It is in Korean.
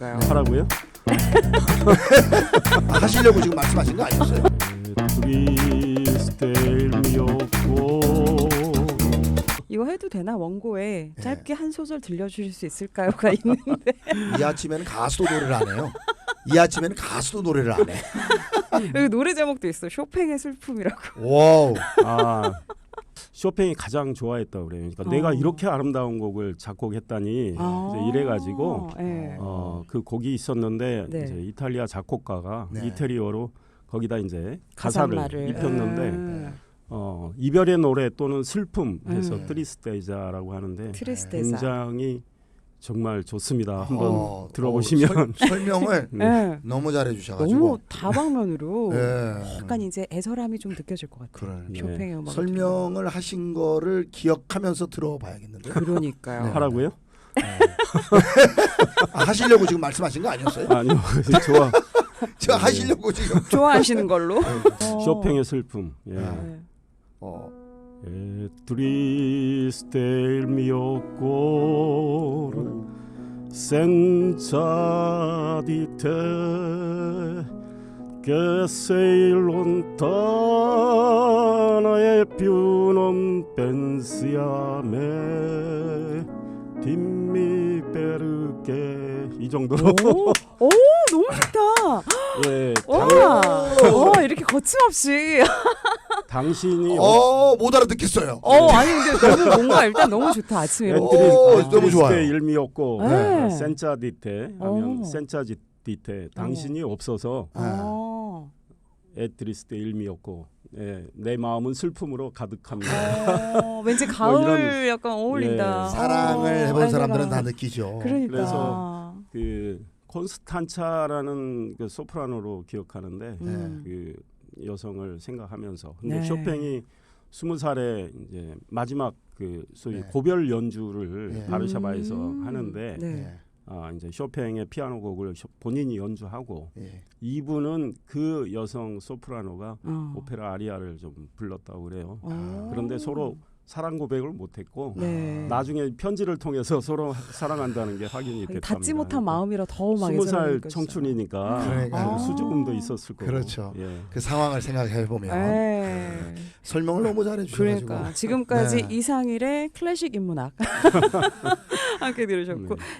그러니까요. 하라고요? 하시려고 지금 말씀하신 거 아니었어요? 트리스텔미였고 이거 해도 되나? 원고에 예. 짧게 한 소절 들려주실 수 있을까요?가 있는데 이 아침에는 가수도 노래를 안 해요. 이 아침에는 가수도 노래를 안 해. 여기 노래 제목도 있어. 쇼팽의 슬픔이라고. 와우. 아 쇼팽이 가장 좋아했다고 그래요. 그러니까 내가 이렇게 아름다운 곡을 작곡했다니 이제 이래가지고 네. 그 곡이 있었는데 네. 이제 이탈리아 작곡가가 네. 이태리어로 거기다 이제 가사를 가사말을. 입혔는데 이별의 노래 또는 슬픔 해서 네. 트리스테자라고 하는데 트리스테자. 굉장히 정말 좋습니다. 한번 들어보시면 설명을 네. 너무 잘해 주셔가지고 너무 다방면으로 예. 약간 이제 애절함이 좀 느껴질 것 같아요. 그래. 쇼팽의 음악. 설명을 하신 거를 기억하면서 들어봐야겠는데요. 그러니까요. 네. 하라고요? 하시려고 지금 말씀하신 거 아니었어요? 아니요. 좋아. 제가 하시려고 지금 좋아하시는 걸로. 쇼팽의 슬픔. 예. 네. Triste il mio cuore senza di te che sei lontana e più non pensi a me dimmi perché 이 정도로 오, 너무 좋다. 예, 와, 이렇게 거침없이. 당신이 못 알아듣겠어요. 아니 근데 너무 뭔가 일단 너무 좋다 아침에. 너무 좋아요. 일미였고 네. 센자디테 하면 오. 센자디테 당신이 없어서 에트리스테 일미였고 내 마음은 슬픔으로 가득합니다. 왠지 가을 이런, 약간 어울린다. 예. 사랑을 해본 아이가. 사람들은 다 느끼죠. 그러니까. 그래서 그 콘스탄차라는 그 소프라노로 기억하는데 그 여성을 생각하면서 근데 네. 쇼팽이 20살에 이제 마지막 그 소위 네. 고별 연주를 네. 바르샤바에서 하는데 네. 이제 쇼팽의 피아노 곡을 본인이 연주하고 예. 이분은 그 여성 소프라노가 오페라 아리아를 좀 불렀다고 그래요. 그런데 서로 사랑 고백을 못했고 네. 나중에 편지를 통해서 서로 사랑한다는 게 확인이 됐답니다. 닿지 못한 마음이라 더 막 20살 청춘이니까 그러니까요. 수줍음도 있었을 거고. 그렇죠. 예. 그 상황을 생각해 보면 네. 설명을 너무 잘해 주셔가지고. 그러니까 지금까지 네. 이상일의 클래식 인문학 함께 들으셨고